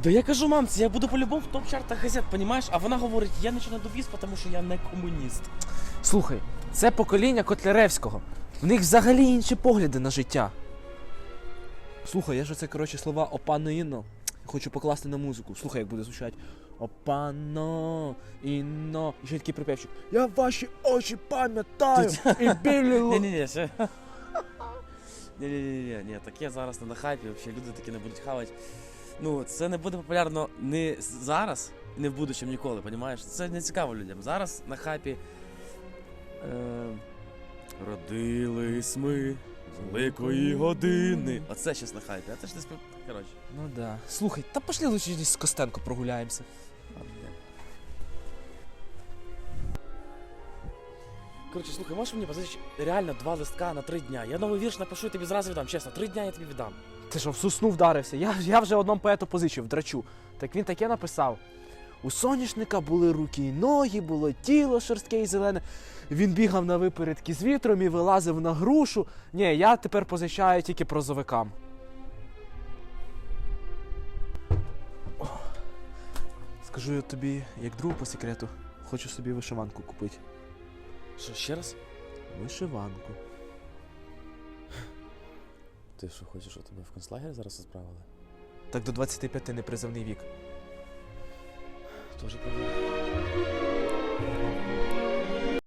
Да я кажу мамці, я буду по-любому в топ-чартах газет, понімаєш? А вона говорить, я нічого не довіз, тому що я не комуніст. Слухай, це покоління Котляревського. В них взагалі інші погляди на життя. Слухай, я ж оце, коротше, слова «опано-інно» хочу покласти на музику. Слухай, як буде звучати. Опано-інно. І ще такий припевчик. Я ваші очі пам'ятаю і білі Ні-ні-ні, ще. Ні, таке зараз не на хайпі, взагалі люди такі не будуть хавати. Ну, це не буде популярно не зараз, не в будущем ніколи, понімаєш? Це не цікаво людям. Зараз на хайпі родились ми з великої години. Оце щас на хайпі, а це ж не спів... Коротше. Ну да. Слухай, та пошли лучше з Костенко прогуляємося. Коротше, слухай, можеш мені позичити реально 2 листка на 3 дня? Я новий вірш напишу і тобі зразу віддам, чесно, 3 дня я тобі віддам. Ти що, в сосну вдарився? Я вже одному поету позичив, драчу. Так він таке написав. У соняшника були руки й ноги, було тіло шорстке і зелене. Він бігав на випередки з вітром і вилазив на грушу. Ні, я тепер позичаю тільки прозовикам. Скажу я тобі, як другу по секрету, хочу собі вишиванку купити. Що, ще раз? Вишиванку. Ти що, хочеш, щоб тебе в концлагері зараз відправили? Так до 25 непризовний вік. Тоже проблема.